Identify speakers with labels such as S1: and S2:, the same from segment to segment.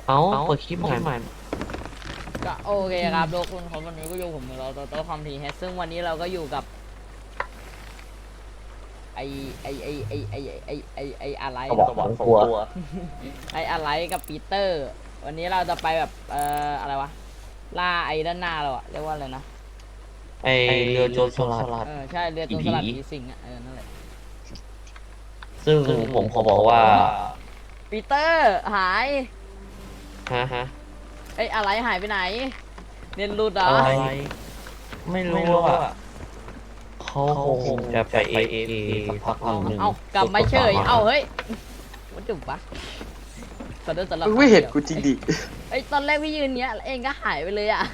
S1: เอาเปิดคลิปใหม่
S2: ก็โอเคครับทุกคนของวันนี้ก็อยู่ผมเราโต๊ะคอมทีเฮดซึ่งวันนี้เราก็อยู่กับไออะไร
S1: ก็บอกสองตัว
S2: ไออะไรกับปีเตอร์วันนี้เราจะไปแบบอะไรวะล่าไอด้านหน้าเราอะเรียกว่าอะไรนะ
S1: ไอเรือโจรสลัด
S2: ใช่เรือโจรสลัดผีสิงอะนั่นแหละ
S1: ซึ่งผมขอบอกว่า
S2: ปีเตอร์หาย
S1: ฮะ
S2: ไออะไรหายไปไหนเรียนรูดเหรอ
S1: อะไรไม่รู้ว่าเขาคงจะไปเอสักพักหนึ่ง
S2: เอากลับมาเฉยเอาเฮ้ยวัดจุบปะขอโทษสำหรับ
S3: มึงไม่เห็นกูจริงดิ
S2: ไอยตอนแรกพี่ยืนเนี้ยเองก็หายไปเลยอ่ะ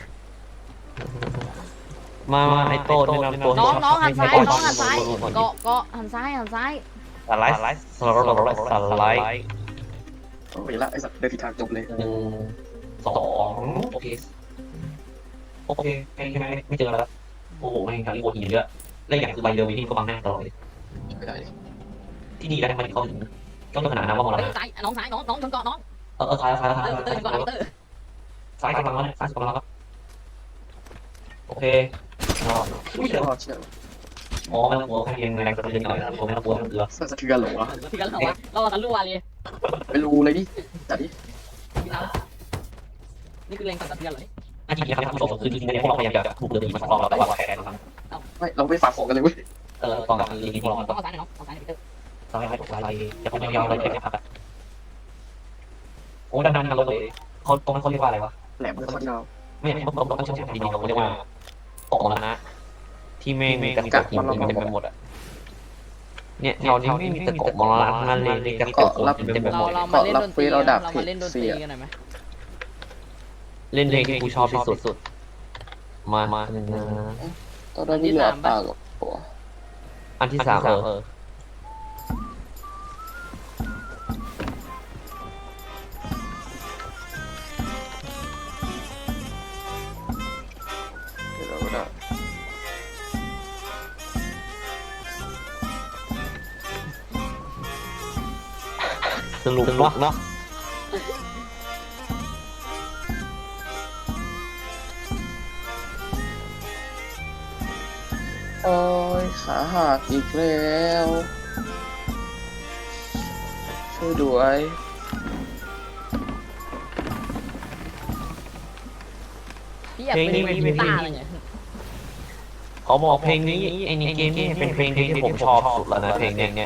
S1: มาไอโต้แนะนำตัว
S2: น้องหันซ้ายน้องหันซ้ายเกาะหันซ้าย
S1: สไลด์สไลด์
S3: โอ้ยละไอ้สัตว์เดินผิดทางจบเลย
S1: 1 2โอเคไม่เจอแล้วโอ้โหไม่ครับที่โอทีเยอะและอย่างคือใบเรือวิธีก็บังหน้าตลอดเลย
S3: ไม่ได้
S1: ที่นี่ได้ทำไมเขาถึงต้องขนาดนั้นว่ามรณะ
S2: ซ้ายน้องชนเกาะน้อง
S1: ซ้าย
S2: เตอร์ชนเกาะเตอร์
S1: ซ้ายกำลังแล้วซ้ายกำลังแล้วโอเค
S3: ไม่เชื่อเชื่อ
S1: อ๋อไม่ต้องกลัวแค่เพียงแรงกระเทือนหน่อยนะผมไม่ต้องกลัวเรือ
S3: สะเทือนหรอวะ
S2: ที่กันเราทะลุวาเลย
S3: ไปรู้เลยดิจัดดิ
S2: นี่คือแรงสั่นสะเทือนเลย
S1: จริงๆครับท่านผู้ชมคือจริงๆเนี่ยพวกเราพยายามจะถูกเรือผีมาสองรอบแล้วแต่ว่าแพ้ทุกครั้ง
S3: ไม่เราไม่ฝากของกันเลยเว้ย
S1: ตอนกับเรือผีพวกเรา
S2: ต้องเอาซ้ายน้องเอาซ้ายเตอร์
S1: ซ้ายตกซ้ายจะพยายามอะไรแค่พักโอ้ด้านนั้นกันเลยเขาตรงนั้นเขาเรียกว่าอะไรวะ
S3: แหลมมันยาว
S1: ไม่ต้องเชื่อมดีๆเขาเรียกว่าตกมรณะที่ไม่มีกระตุกหินเต็มไปหมดอ่ะเนี่ยเรานี่ไม่มีตะกบมรณะนั่นเลยกระตุกหินเต็มไปหมด
S2: เรามาเล่นดนตรีเรามาเล่นดนตรีกันหน่อยไหม
S1: เล่นเพลงที่กูชอบที่สุดมา
S3: ตอนนั้นมีเหลือปากกับหัว
S1: อันที่ 3
S3: เดี๋ยวเราก็ได้
S1: สนุกเนาะ
S3: โอ้ยขาหักอีกแล้วช่วยด้วย
S2: พี่อยากเป็นกีตาร์อะไรเงี้ย
S1: เขาบอกเพลงนี้ไอ้ในเกมนี่เป็นเพลงที่ผมชอบสุดแล้วนะเพลงเนี้ย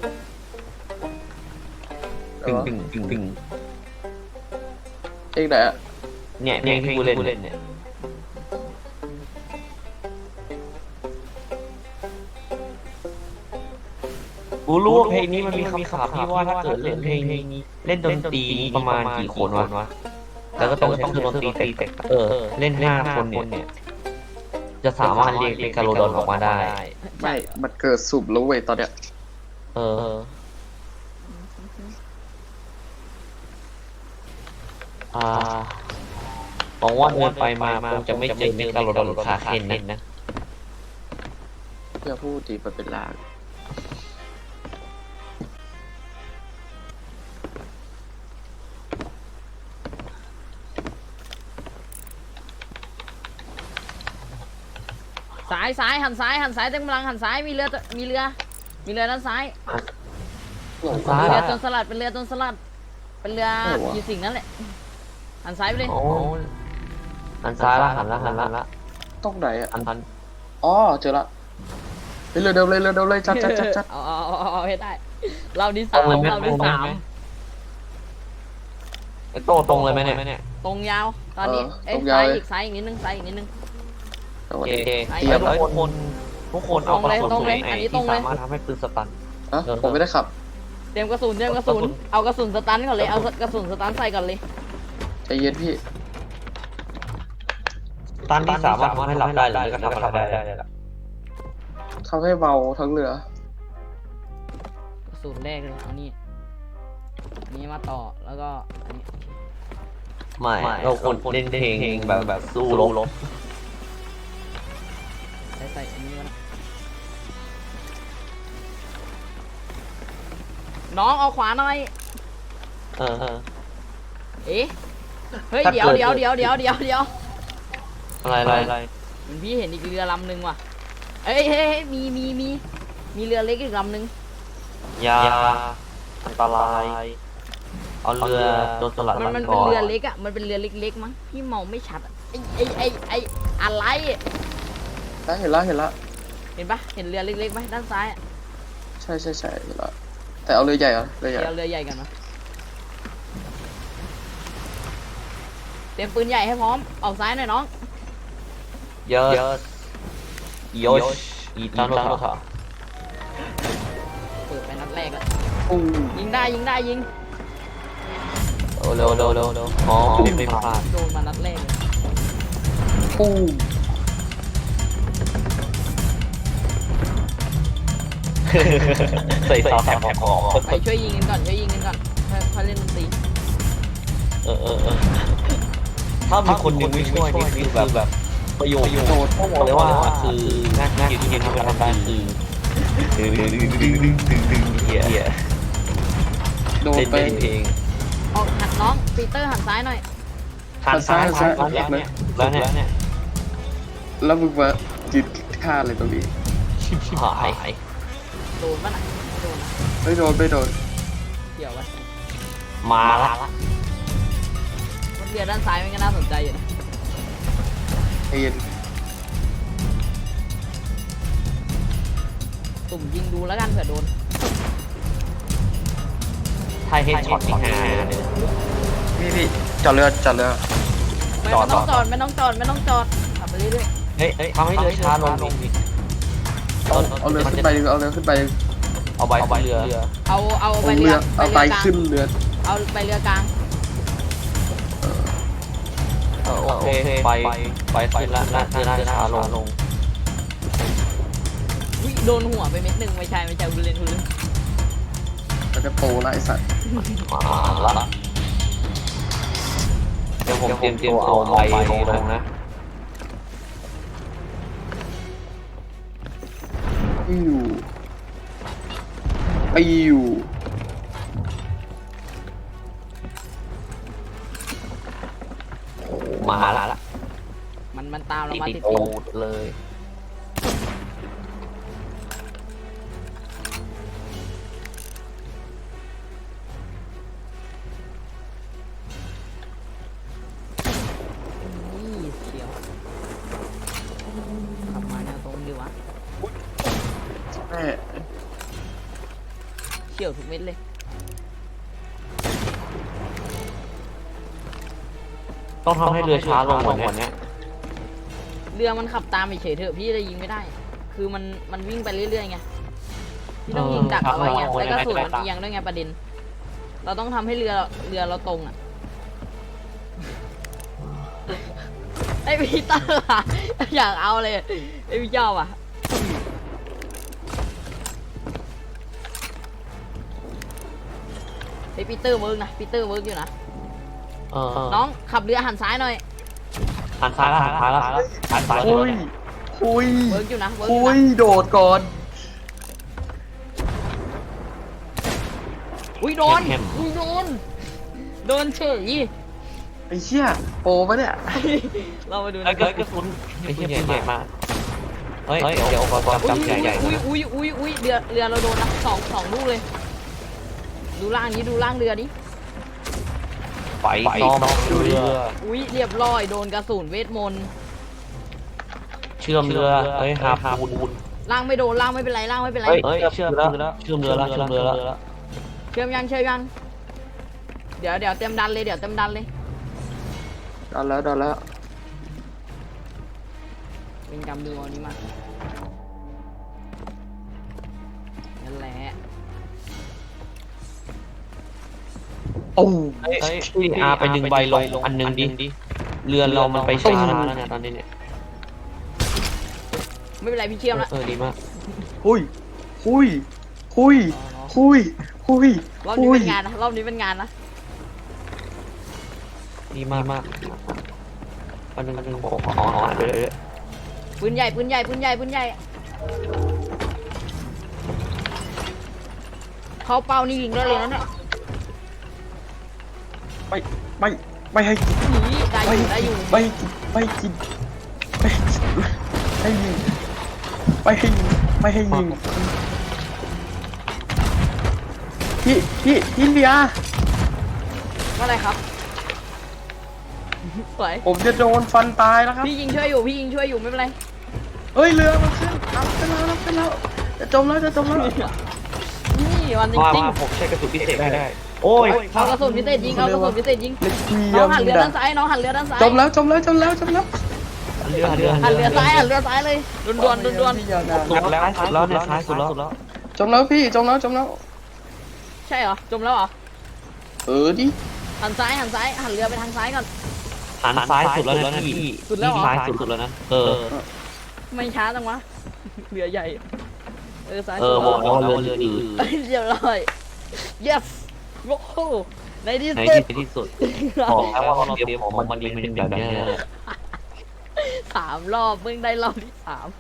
S1: ตึง
S3: เองไหนอะ
S1: เนี่ยเพลงที่กูเล่นเนี่ยกูรู้ว่าเพลงนี้มันมีคำศัพท์ที่ว่าถ้าเกิดเล่นเพลงนี้เล่นดนตรีประมาณกี่คนวะแล้วก็ต้องใช้เครื่องดนตรีแต่เล่น5 คนเนี่ยจะสามารถเรียกเป็นการโลดอนออกมาได้
S3: ไม่มันเกิดสุบแล้วเว้ยตอนเนี้ย
S1: หวังว่าเดินไปมาคงจะไม่เจอเมกาโลดอนหรือคาเคนนะ
S3: อย่าพูดดีมันเป็นลาง
S2: ซ้ายหันซ้ายเต็มกำลังหันซ้ายมีเรือด้านซ้าย
S1: ซ้าย
S2: เรือจนสลัดเป็นเรือจนสลัดเป็นเรือผีสิงนั่นแหละหันซ้ายไปเลย
S1: โอ้หันซ้ายละหันละ
S3: ต้องไหนอะ
S1: หัน
S3: อ๋อเจอละเรือเดิมเลยจัด
S2: เอาให้ได้เราที่3เราที่3
S1: ไอ้โตตรงเลยไหมเนี่ย
S2: ตรงยาวตอนนี้ซ้ายอีกนิดนึง
S1: โอเคแล้วทุกคนเอากระสุนที่สามารถทำให้ปืนสตัน
S3: ผมไม่ได้ขับ
S2: เตรียมกระสุนเอากระสุนสตันก่อนเลยเอากระสุนสตันใส่ก่อนเลย
S3: ใจเย็นพี่
S1: ตันที่สามารถทำให้หลับได้หรือก็ทำอะไรได้ละ
S3: ทำให้เบาทั้งเรือ
S2: กระสุนแรกเลยเอานี่มาต่อแล้วก็อันนี้
S1: ไม่เราคนเล่นเพลงแบบสู้รบ
S2: ใส่อันนี้มาน้องเอาขวาหน่อยเอ๊ะเฮ้ย
S1: ถ้า
S2: เดี๋ยว
S1: เกิด
S2: เดี๋ยวเดี๋ยวเดี๋ยวเดี๋ยวเดี๋ยว
S1: อะไร
S2: มันพี่เห็นอีกเรือลำนึงว่ะเอ้ยเฮ้ยมีเรือเล็กอีกลำนึง
S1: ยาอันตรายเอาเรือโดนสลัด
S2: มัน
S1: ก่
S2: เป็น
S1: อน
S2: เรือเล็กอ่ะมันเป็นเรือเล็กๆมั้งพี่มองไม่ชัดอะไออะไร
S3: ได้เห็นละเห็นละ
S2: เห็นปะเห็นเรือเล็กๆไหมด้านซ้ายอะ
S3: ใช่เห็นละแต่เอาเรือใหญ่เหรอเรือใหญ่
S2: เดี๋ยวเรือใหญ่กันนะเตรียมปืนใหญ่ให้พร้อมออกซ้ายหน่อยน้อง
S1: เยอะโยชอีตันโนทา
S2: เปิดไปนัดแรกแล้ว
S3: อู้
S2: ยิงได้ยิง
S1: เร็วอ๋อไม่พลาด
S2: โดนมานัดแรกเลย
S3: อู้
S1: ใส่ซาวแถบของ
S2: ไปช่วยยิงกันก่อนค่อยเล่นดนตรี
S1: ถ้ามีคนนึงไม่ช่วยนี่คือแบบประโยชน์
S3: โดด
S1: ต้องบอกเลยว่าคืองานที่ทำการคือเฮีย
S3: โดด
S1: เล่น
S3: ไป
S1: เพลง
S2: ออกหันน้องปีเตอร์หันซ้ายหน่อย
S1: หันซ้ายแล้วเนี่ย
S3: แล้วมึงมายืนท่าเลยตรงนี้
S1: ชิบหาย
S2: โดนปะน่ะโดนนะ
S3: ไม่โดน
S2: เกี่ยวปะ
S1: มาละ
S2: มันเรือด้านซ้ายมันก็น่าสนใจอยู่นะ
S3: ไอ้เย็น
S2: ตุ่มยิงดูแล้วกันเผื่อโดน
S1: ไทยเฮดช็อตที่5เลย
S3: พี่จอดเรือ
S2: ไม่
S1: จอด
S2: ต้องจอดไม่ต้องจอดขับไปเรื่อย
S1: เฮ้ยทำให้เรือช้าลงดิ
S3: เอาเรือขึ้นไปดิเอาเรือขึ้นไป
S1: เอาใบเรือ
S2: ๆเอา
S3: เอา
S2: ไป
S3: เรื
S2: เรือ
S3: เอาไตขึ้นเรือ
S2: เอาไปเรือกลาง
S1: โอเคไปขึ้นละน่าจะช้าลง
S2: วิโดนหัวไปเม็ดหนึ่งไม่ใช่บุเรน
S3: มันจะโปรละไอสัตว์
S1: มาละเดี๋ยวผมเตรียมตัวเอาใบลงนะ
S3: ไปอยู่
S1: มาละ
S2: มันตามเรามาติด
S1: โอ้เลย
S2: นี่เชียวขับมาแนวตรงดีวะ
S3: แม่
S2: เชี่ยวทุกเม็ดเลย
S1: ต้องทำให้เรือช้าลงกว่านี้
S2: เรือมันขับตามเฉยๆเถอะพี่จะยิงไม่ได้ คือมันวิ่งไปเรื่อยๆไงพี่ต้องยิงดักเอาไว้ไงแล้วก็สูดมันเอียงด้วยไงประเด็น เราต้องทำให้เรือเราตรงอ่ะ ไอพีเตอร์อะอยากเอาเลยไอพี่เจ้าอ่ะไอปีเตอร์เวิร์กนะปีเตอร์เวิร์กอยู่นะน้องขับเรือหันซ้ายหน่อย
S1: หันซ้ายละหันซ้าย
S3: คุย
S2: เวิร์กอยู่นะเวิร์กอ
S3: คุ
S2: ยู่
S3: ย
S2: นะ
S3: โดดก่อน
S2: อุ้ยโดนโดนเฉย
S3: ไอ้เชี่ยโปรปะเนี่ย
S2: เรามาดู
S1: ไอ้
S2: นะ
S1: เกิดกระสุนไอ้เหี้ยใหญ่มากเฮ้ยเดี๋ยวก่อนจำใหญ่ๆนะ
S2: อุ้ยเรือเราโดนนะสองลูกเลย ดูล่างนี้ดูล่างเรือนี้
S1: ไปซ้อมเรือ
S2: อุ้ยเรียบร้อยโดนกระสุนเวทมนต์
S1: เชื่อมเรือเฮ้ยหาปูน
S2: ล่างไม่โดนล่างไม่เป็นไรล่างไม่เป็นไร
S1: เฮ้ยเชื่อมแล้วเชื่อมเรือแล้ว
S2: เชื่อมยังเดี๋ยวเต็มดันเลย
S3: ดันแล้ว
S2: เป็นกำดูเอานี้มานั่นแหละ
S3: โอ้
S1: เฮ้ยพี่อาไปดึงใบลงอันนึงดิเรือเรามันไปช้าแล้วเนี่ยตอนนี้เนี่ย
S2: ไม่เป็นไรพี่เชื่อมละ
S1: ดีมาก
S3: คุย
S2: รอบนี้เป็นงานนะรอบนี้เป็นงานนะ
S1: ดีมากอันนึงขออ่านไปเลย
S2: ปืนใหญ่เขาเป้านี่ยิงได้เลยนะเนี่ย
S3: ไม่ไม่ให้กิน
S2: หนีได้อยู่
S3: ไม่ให้กินไม่ให้กินไม่ให้กินให้ยิงไม่ให้ยิงไม่ให้ยิงพี่เลีย
S2: ว่าอะไรครับสวย
S3: ผมจะโดนฟันตายแล้วครับ
S2: พี่ยิงช่วยอยู่ไม่เป็นไร
S3: เฮ้ยเรือมันขึ้นรับไปแล้วจะจมแล้ว
S2: นี่วันจ
S1: ว่า
S2: ริง
S1: ผมใช้กระสุนพิเศษไม่ได้ โอ้ย
S2: ๆเอากระสุนพิเศษยิงเอากระสุนพิเศษยิง
S3: เล็กเกี
S2: น้
S3: ย
S2: อง
S3: ม
S2: หันเรือ
S3: ดั
S2: ด้านซ้ายน้องหันเรือด้านซ้าย
S3: จมแล้ว
S1: หันเรือซ้าย
S2: หันเรือซ้ายเลยด่วน
S3: พี่อย่านะ
S1: สุดแล้วสุดแล้วเนี่ยซ้ายสุดแล้ว
S3: จมแล้วพี่จมแล้ว
S2: ใช่เหรอจมแล้วเหรอ
S3: ดิ
S2: หันซ้ายหันเรือไปทางซ้ายก่อน
S1: หันซ้ายสุดแล้วนะพี่
S2: สุดแล้วเหรอ
S1: ซ้ายสุดแล้วนะ
S2: ไม่ช้าจังวะเรือใหญ่ซ้าย
S1: บอกแล้วว่าเรืออื่น
S2: เรียบร้อย yes โอ้โหในที่
S1: ใน
S2: สุด
S1: ที่สุดบอกแล้วว่าเราเตรียมของมันเป็นแบบนี้
S2: 3 รอบเพิ่งได้รอบที่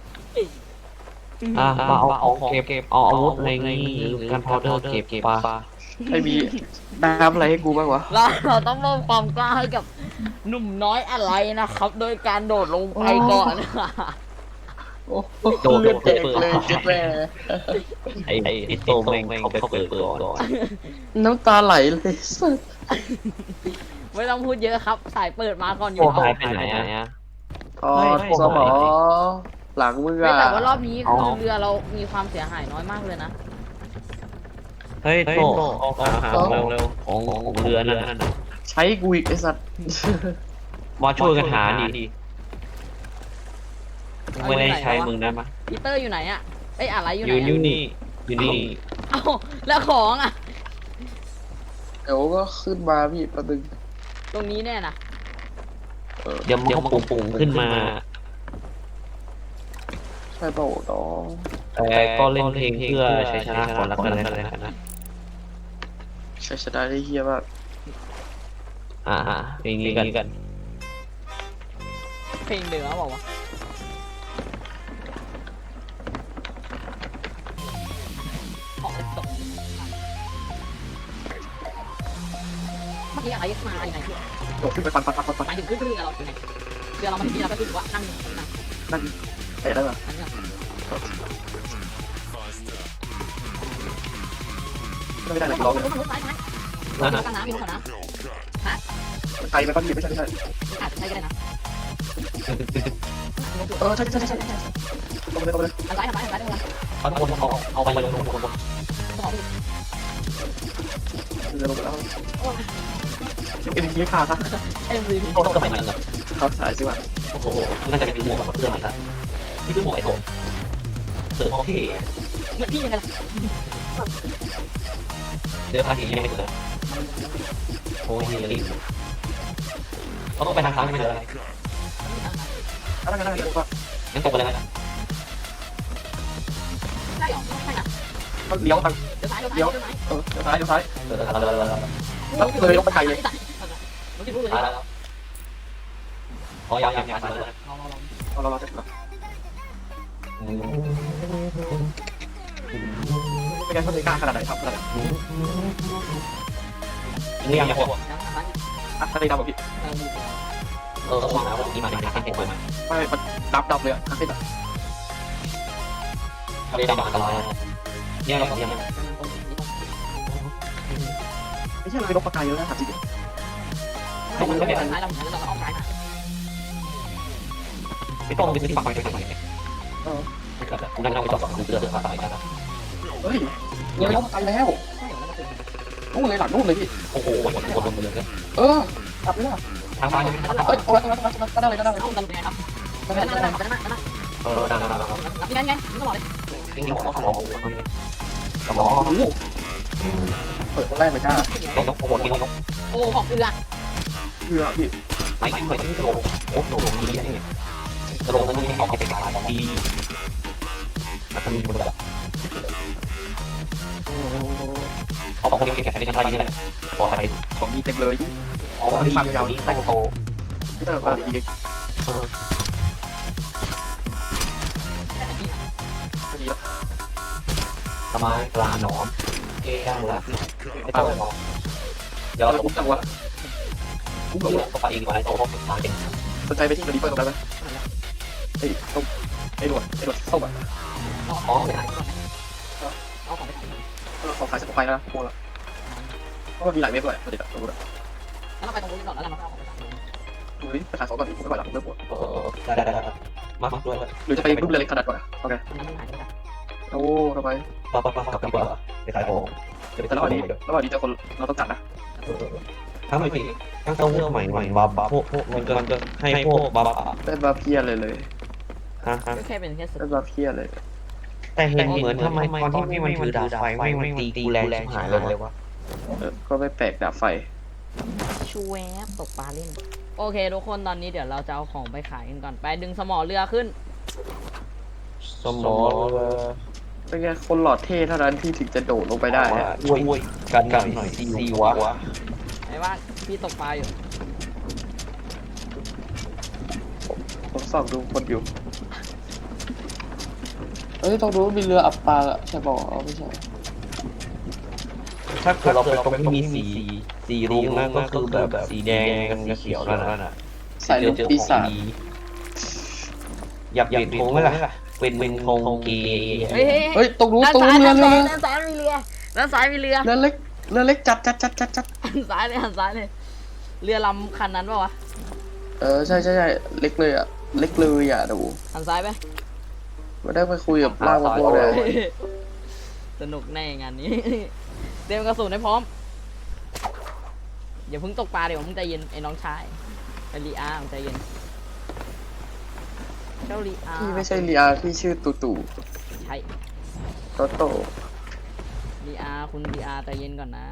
S2: 3
S1: มาเอาเก็บเอาอาวุธอะไรงี้หรือการพาวเดอร์เก็บปลา
S3: ไอ้บีน้ำอะไรให้กูบ้างวะ
S2: เราต้องมอบความกล้าให้กับหนุ่มน้อยอะไรนะครับ โดยการโดดลงไปก่อน
S1: โดด
S3: เลือดแตกเลยเจ็ดแม่
S1: ไอ้โตแม่งเขาไปเปิดก่อน
S3: น้ำตาไหลเลยสัส
S2: ไม่ต้องพูดเยอะครับ สายเปิดมาก่อนอยู่
S1: โอ้
S2: แล้ว
S1: หายไปไหนอ่ะ
S3: ทอดสมอหลังมือ
S2: แต่ว่ารอบนี้คือเรือเรามีความเสียหายน้อยมากเลยนะ
S1: เฮ้ยโตหาเร็วของเรือนั่น
S3: ใช้กูอีกไอ้สัตว์
S1: มาช่วยกันหาดิไม่ได้ใช้มึงนะมะ
S2: พีเตอร์อยู่ไหนอะเอ้ยอะไรอยู่ไหน
S1: อยู่
S2: อะ
S1: นี่
S2: เอ้าแล้วของอะ
S3: เดี๋ยวก็ขึ้นมาพี่ประดึง
S2: ตรงนี้แน่นะ
S1: เดี๋ยวมันปุ่งขึ้นมา
S3: ใช่เปล่าน้อง
S1: แต่ก็เล่นเพลงเพื่อชัยชนะก่อนแล้วกันนะ
S3: ใช้ชนะได้เฮียมาก
S1: เพลงนี้กัน
S2: เพลงเดือบอกว่าของตกเมื่อกี้อะไรมาอย่างไรพี่
S3: โดดขึ้นไปฟัน
S2: หมายถึงขึ้นเรือเราอยู่ไหนเรือเรามาถึงที่เราก็คือว่านั่ง
S3: นั่นเตะได้ปะ
S2: อันนี้
S3: ไม่ได้เลย
S2: ล
S3: ร้
S2: อ
S3: อง ง
S2: รถซ้ายกันนะมีรถกันนะ
S3: ไกลไปป่ะพี่ไม่ใช่
S2: อาจจะใช่ก็ได้นะ
S3: ใช่ลงเลย
S2: อันซ้ายได้เลย
S1: เอาไปลง
S3: เรือลงแล้วเอ็นทีขาดครับ
S2: MVP
S1: โตก็ไม่เหมือนกัน
S3: เขาสายสิวะ
S1: โอ้โหน่าจะเป็นหมวกกับเสื้อมันละนี่คือหมวกไอ้โตเสื้อโอเค
S2: เหมือนพี่ยังไงล่ะ
S1: เสื้อผ้าที่ยังไม่เสื้อโอ้ยรีบเราต้องไปทางซ้ายไม่ได้เลย
S3: อะไรกันอะไรกันวะ
S1: งั้นตกไปเลยนะ
S2: ใช่หรอใช่นะ
S3: เลี้ยวทาง
S2: เดี๋ยวซ้าย
S3: เลี้ยวซ้ายเลยลงไปไกลเลย
S2: มันจะรู้เลย
S1: แล้วอ๋อยังเลย
S3: เราจะเป็นการทำในการขนาดไหนครับขนาดไหน
S1: นี่ยังพวก
S3: ทะเลดำแบบพี่
S1: เขาบอกนะว่านี่มาในการเก็บไว้
S3: ไม่มันดับเลยอ่ะขึ้นอ่ะ
S1: ทะเลดำอันตรายเนี่ยเราเนี่ย
S3: ไม่ใช่เราลงปากกาเยอะนะถามจริง
S2: เราไม่ได้ซ้ายเราเหมือนเราออกซ้ายมา
S1: ไม่ต้องไปซื้อฝั่งไปทำไมนั่งไปต่อเสื้อผ้าไปนะ
S3: เฮ้ยเลยลงไปแล้วนู่นเลยหลังนู่นเลยพี่
S1: โอ้โหคนลงเลย
S3: กลับเลยนะ
S1: ทางบ้าน
S3: เอ้ยเอาละก็ได้เลยก็ได้
S2: เอากันไปครับ
S3: ก็ได้
S2: นั่นนั่น
S3: ก็ได้
S2: นี่ไงนี่ตลอดเลย
S1: นี่หัวสมองสมอง
S3: เปิดคนแรกเลยจ้า
S1: ต้องโคตรกินต้อง
S2: โอ้ของเรือ
S3: เพื่อพี่
S1: ไม่ไม่ต้องโลโอ้โหดีเนี่ยโลนั้นนี่ออกไปขายของดีแล้วก็มีคนแบบเอาของเก็บๆในชั้นใต้นี่แหละปลอดภัย
S3: ของมีเต็มเลย
S1: อ๋อนี่ความยาวนี้ตั้งโต
S3: พี่เตอร์มาดีดีแล้ว
S1: ทำไมปลาหนอมเอ๊ะได้ละไม่ต้องมองเดี๋ยว
S3: เรา
S1: เรา
S3: ผมจังวะ
S1: กูเบื่อไปอีกหลายตัวก็ตายเอง
S3: สนใจไปที่รีเฟอร์ตรงนั้นไหมไอ้ตรงไอ้หนวดส้มอ่ะ
S1: อ๋อไม่ได้
S2: เอาของไปขาย
S3: ของขายสมุนไพรนะโมละเพราะมันมีหลายเว็บด้วยประเด็นอะรู้ละ
S2: แล้วเราไปตรงนู้นก่อนแล้วเรามาเอาของไปขาย
S3: ดูดิไปขายของก่อนไม่ไหวหรอกเริ่มปวด
S1: ได้มาด้วย
S3: หรือจะไปรูปเรือเล็กขนาดก่อนอะโอเค
S2: มันไม่หายไป
S3: โอ้ทำไม
S1: กลับดีกว่าไปขายของจะไป
S3: แต่ระหว่างนี้เจอคนเราต้องจัดนะ
S1: ทั้งใหม่ทั้งเต้าหู้ใหม่บัฟพวกมันก็ให้พวกบัฟ
S3: เป็นบาเพียเลย
S1: ฮะ
S2: ก็แค่เป็นแค่ส
S3: เป็นบาเพียเลย
S1: แต่เห็นเหมือนทำไมตอนที่มันถือดาบไฟไม่ตีกูแรงชิบหายเลยวะ
S3: ก็ไม่แปลกดาบไฟ
S2: ชูแวบตกปลาเล่นโอเคทุกคนตอนนี้เดี๋ยวเราจะเอาของไปขายกันก่อนไปดึงสมอเรือขึ้น
S1: สมอ
S3: เป็นไงคนหลอดเท่เท่านั้นที่ถึงจะโดดลงไปได้
S1: ช่วยกันหน่อยซีวะ
S2: ไอ้ว่าพี่ตกปลาอยู่
S3: ผมส่องดูคนอยู่เอ้ยต้องรู้มีเรืออับปางอะใช่บอกไม่ใช่
S1: ถ้าเกิดเราไปตรงที่มีสีรุ้งนั่นก็คือแบบสีแดงกับเขียวนั่นน่ะ
S3: สายลูกปีศาจ
S1: อยากเปลี่ยนธงไหมล่ะเป็นธงเกย์
S3: เฮ้ยต้องรู้
S2: ด้าน
S3: ต้อง
S2: ซ้าย
S3: รู้
S2: ด้าน
S3: เรือ
S2: ซ้ายมีเรือด้านซ้ายมีเรือ
S3: เรือเล็กจัด
S2: หันซ้ายเลยหันซ้ายเลยเรือลำคันนั้นป่าวะ
S3: ใช่เล็กเลยอ่ะเล็กเลยอ่ะดู
S2: หันซ้ายไป
S3: ไม่ได้ไปคุยกับล่างมาโบเลย
S2: สนุกแน่งานนี้ เตรียมกระสุนให้พร้อมอย่าเพิ่งตกปลาเดี๋ยวมึงใจเย็นไอ้น้องชายไอ้ลีอามึงใจเย็นเจ้าลีอา
S3: พี่ไม่ใช่เรียพี่ชื่อตู่
S2: ใช่
S3: โตโต้
S2: ลีอาคุณลีอาใจเย็นก่อนนะ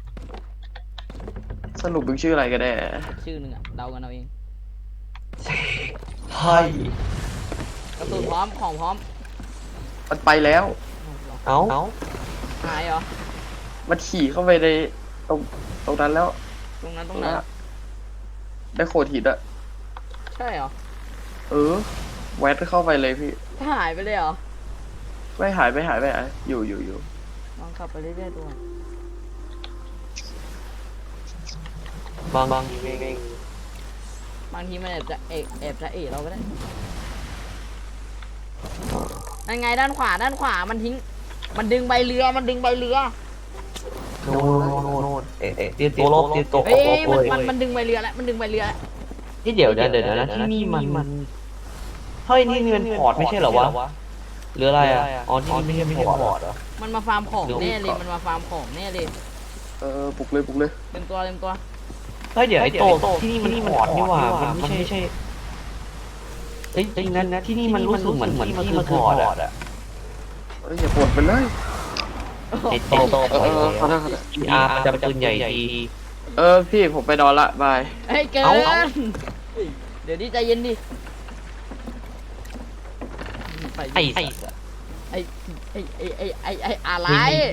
S3: สรุปมึงชื่ออะไรกันแน่
S2: ชื่อหนึ่งอะเดากันเอาเอง
S1: ใช่
S2: กระสุนพร้อมของพร้อม
S3: มันไปแล้ว
S1: เอา
S2: หายเหรอ
S3: มันขี่เข้าไปในตรงนั้นแล้ว
S2: ตรงนั้นตรงนั้น
S3: ได้โขดหินอะ
S2: ใช่เหรอ
S3: แวดเข้าไปเลยพี่
S2: หายไปเลยเหรอ
S3: ไม่หายอยู่
S2: ลองขับไปเรื่อยๆดูก่อน
S1: บาง
S2: บางทีมันแอบจะเอะเราก็ได้นั่นไงด้านขวามันทิ้งมันดึงใบเรือ
S1: โน่นเตียตัวลบเตียตัว
S2: เอ้ยมันดึงใบเรือแล้วมันดึงใบเรือแล้ว
S1: ที่เดี๋ยวนะที่นี่มันเฮ้ยนี่มันพอร์ตไม่ใช่เหรอวะหรืออะไรอ่ะอ๋อที่นี่ไม่ใช่พอร์ตเหรอ
S2: มันมาฟาร์มของแน่เลยมันมาฟาร์มของแน่เลย
S3: ปลุกเลย
S2: เต็มตัว
S1: เฮ้ยเดี๋ยวไอ้โตที่นี่มันพอร์ตนี่หว่ามันไม่ใช่เฮ้ยจริงนั้นนะที่นี่มันรู้สึกเหมือนที่มันคือพอร์ตอ่ะ
S3: อย่าปวดไปเลย
S1: ไอ้โต
S3: ขอโทษ
S1: อาร์จะปืนใหญ่ดี
S3: พี่ผมไปนอนละบาย
S2: เฮ้ยเกินเดี๋ยวดิใจเย็นดิ
S1: ไอ้
S2: อะไร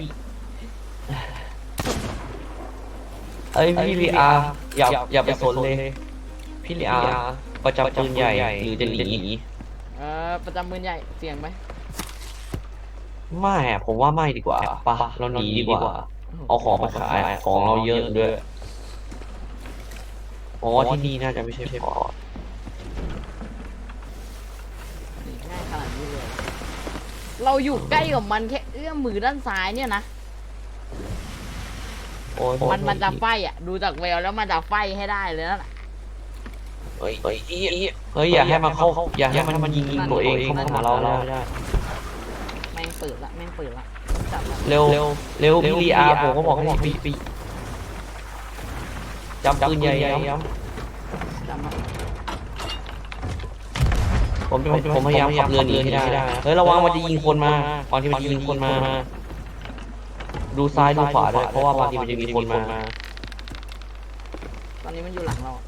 S1: เอ้ยพี่ลีอาอย่าไปสนเลยพี่ลีอาประจำปืนใหญ่หรือจะหนี
S2: ประจำมือใหญ่เสียงไหม
S1: ไม่อะผมว่าไม่ดีกว่าปะเราหนีดีกว่าเอาของมาขายของเราเยอะด้วยอ๋อที่นี่น่าจะไม่ใช่พอร์ต
S2: ง่ายขนาดนี้เลยเราอยู่ใกล้กับมันแค่เอื้อมมือด้านซ้ายเนี่ยนะ
S1: โอ้ย
S2: มันจะไฟอ่ะดูจากแววแล้วมันจะไฟให้ได้เลยนั่นแหละ
S1: เฮ้ยอย่าให้มันเข้าอย่าให้มันยิงตัวเองเข้ามาเราไม่ได้
S2: แม่งเปิดละจับละ
S1: เร็วพี่ลีอาผมก็บอกให้ปีจำปืนใหญ่ย้
S2: จับละ
S1: ำผมพยายามขับเรือหนีให้ได้เฮ้ยระวังมันจะยิงคนมาตอนที่มันยิงคนมาดูซ้ายดูขวาด้วยเพราะว่าบางทีมันจะมีคนมา
S2: ตอนนี้มันอยู่หลังเรา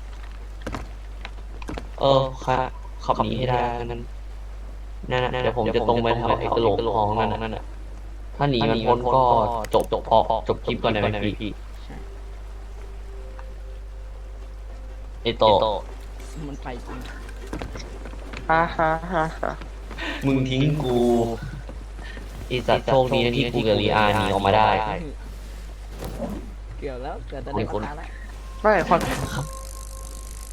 S1: ค่ะขับหนีให้ได้นั่นเดี๋ยวผมจะตรงไปแถวไอ้กระโหลกทองนั่นน่ะถ้าหนีมันพ้นก็จบคลิปก่อนได้ไหมพี่ไอ้โต
S2: มันไปจริง
S1: มึงทิ้งกูไอ้สัตว์โชคดีนะที่กูกับลีอาหนีออกมาได้
S2: เกี่ยวแล้วเกิดจะได้คนแล้ว
S3: ไม่ความ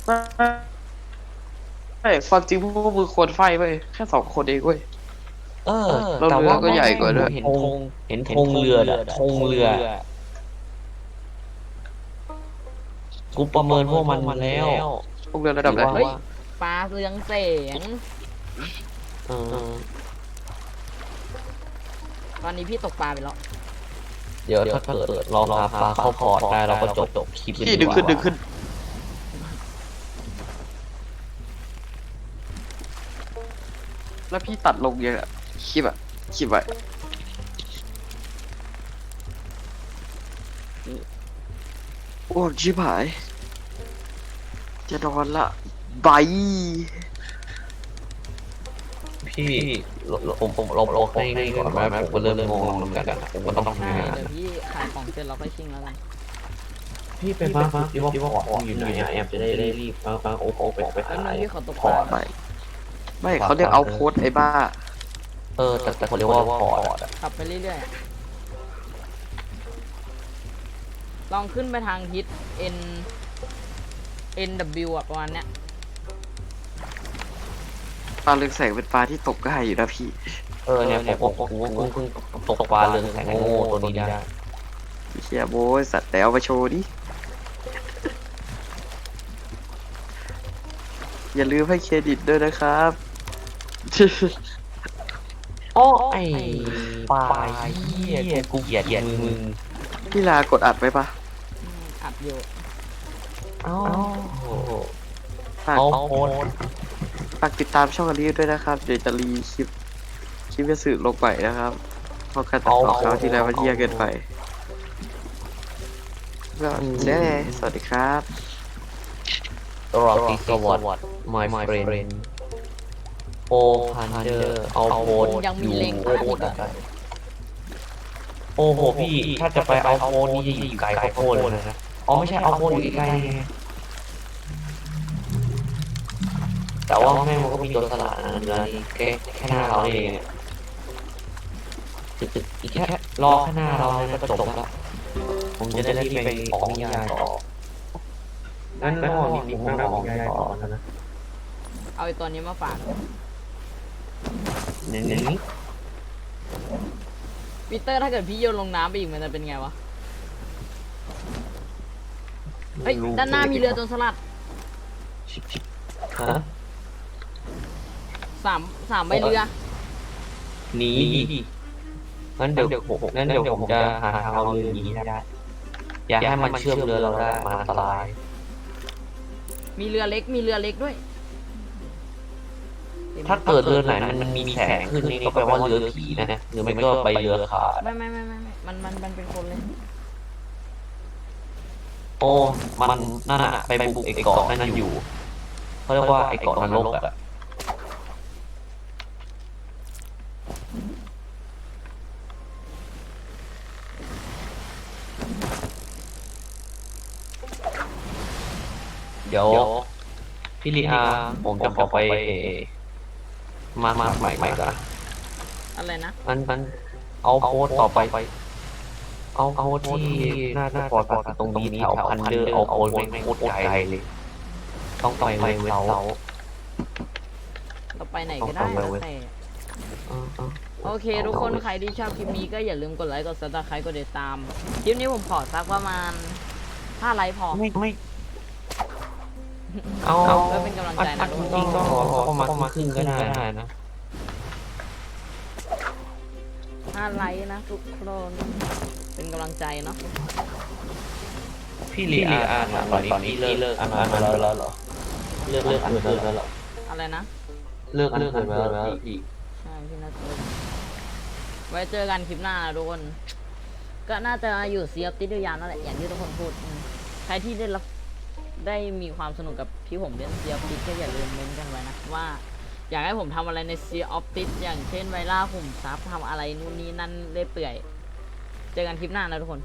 S3: ไม่ความจริงพวกมึงควรไฟเว้ยแค่2 คนเองเว้ย
S1: เออ
S3: แล้ว
S1: แต่
S3: เรือ
S1: ว่า
S3: ก็ใหญ่กว่าด้วย
S1: เห็นธงเรืออะธงเรือ กูประเมินพวกมันแล้ว
S3: พวกเรือระดับไหน
S2: เฮ้ยปลาเรืองแสง
S1: เออ
S2: ตอนนี้พี่ตกปลาไปแล้ว
S1: เดี๋ยวถ้าเกิดเราหาปลาเข้าพอร์ตได้เราก็จบคลิป
S3: พี่ดึงขึ้นแล้วพี่ตัดลงเยอะคลิปไว้โอ้ชิบหายจะนอนละบาย
S1: พี่ผมลบให้ก่อนไหมผมก็เริ่มงงเหมือนกันอะผมก็ต้อง
S2: ใช่
S1: ทำงาน
S2: เดี๋ยวพี่ขายของเสร็จเราค่อยชิงแล้วกัน
S1: พี่ไปฟ้าที่ว่าพอร์ตอยู่ไหนอะแอมจะได้รีบฟ้าโอ้ไป
S2: แล้ว
S1: หา
S2: นึง
S1: ย
S2: พี่ขอตก
S3: พ
S2: ป
S3: อ
S2: ลา
S3: ร์ตไม่เขาเรียกเอาโพสไอ้บ้า
S1: แต่เขาเรียกว่าพอร์ตอะ
S2: ขับไปเรื่อยๆอะลองขึ้นไปทางทิศ NW อ่ะประมาณเนี้ย
S3: ปลาเรืองแสงเป็นปลาที่ตกง่ายอยู่นะพี่
S1: เนี่ยผมเพิ่งตกปลาเรืองแสงโง่ตัวนี้ได้
S3: เชียโบยสัตว์แต่เอามาโชว์ดิ อย่าลืมให้เครดิตด้วยนะครับ
S1: โอ้ไอ้ปลาเหี้ยกูเกลียดมึง
S3: พี่ลากดอัดไว้ปะ
S2: อัดอยู่
S1: เอ้า
S3: ฝาก
S1: เอาโพส
S3: ฝากติดตามช่องอันนี้ด้วยนะครับ เดี๋ยวจะรีคลิปจะสื่อลงไปนะครับเพราะการตัดต่อคราวที่แล้วมันเยี่ยเกินไปก็เจ๊สวัสดีครับ
S1: ตลอดปีสวัสดิ์ my friend โอพันเดอร์เอาโพส
S2: ยังมีเล็งพลาดอีกเหรอ
S1: โอ้โหพี่ถ้าจะไปเอาโพสนี่จะอยู่ไกลข้าวโพดเลยนะอ๋อไม่ใช่เอาโพสอยู่ใกล้ๆไงแต่ว่าแม่งมันก็มีตัวสลัดนะเนื้อนี่แค่หน้าเราเองเนี่ยตึกอีกแค่รอแค่หน้าเราเนี่ยก็จบแล้วผมจะได้รีบไปออกนิยายต่อนั่นก็มีผมก็ออกนิยายต่อแล้วนะ
S2: เอาไอ้ตัวนี้มาฝาก
S1: เน้น
S2: ปีเตอร์ถ้าเกิดพี่โยนลงน้ำไปอีกมันจะเป็นไงวะ เฮ้ย ด้านหน้ามีเรือโจรสลัด
S1: ชิบฮะ
S2: สามใบเรือ
S1: หนีงั้นเดี๋ยวผมจะหาทางเอาเรือหนีได้อย่าให้มันเชื่อมเรือเราได้มันอันตราย
S2: มีเรือเล็กมีเรือเล็กด้วย
S1: ถ้าเกิดเรือไหนมันมีแสงขึ้นนี่ก็แปลว่าเรือผีนะหรือไม่ก็ไปเรือขาด
S2: ไม่มันเป็นคนเลย
S1: โอ้มันนั่นอะไปบุกไอ้เกาะนั่นอยู่เขาเรียกว่าไอ้เกาะนรกอะเดี๋ยวพี่ลีอาผมจะขอไปมาใหม่ก่อน
S2: อะไรนะ
S1: มันเอาโพสต์ต่อไปเอาโพสต์ที่หน้าปอดตรงนี้แถวพันเดอร์เอาโพสต์ไม่โคตรไกลเลยต้องไปเว็บเสา
S2: เราไปไหนก็ได้แล้วแต่โอเค ทุกคนใครที่ชอบคลิปนี้ก็อย่าลืมกดไลค์กดซับสไครต์กดติดตาม คลิปนี้ผมขอสักประมาณ5 ไลค์พอ
S1: ไม่เอา
S2: เพื่อเป็นกำลังใจนะทุกคน
S1: จริงก็ประมาณครึ่งก็ได้นะ
S2: 5 ไลค์นะทุกคนเป็นกำลังใจเนาะ
S1: พี่ลีอาตอนนี้เลิกอ่านแล้วเหรอเลิกอ่านแล้วเหรอ
S2: อะไรนะ
S1: เลิกอ่านแล้วพี่
S2: ใช่พี่นัทไว้เจอกันคลิปหน้านะทุกคน ก็น่าจะอยู่ซีออฟติดยาวนั่นแหละอย่างที่ทุกคนพูดใครที่ได้มีความสนุกกับที่ผมเล่นซีออฟติดก็อย่าลืมเมนต์กันไว้นะว่าอยากให้ผมทำอะไรในซีออฟติดอย่างเช่นไวล่าขุมทรัพย์ทำอะไรนู่นนี่นั่นเรื่อยเปื่อยเจอกันคลิปหน้านะทุกคน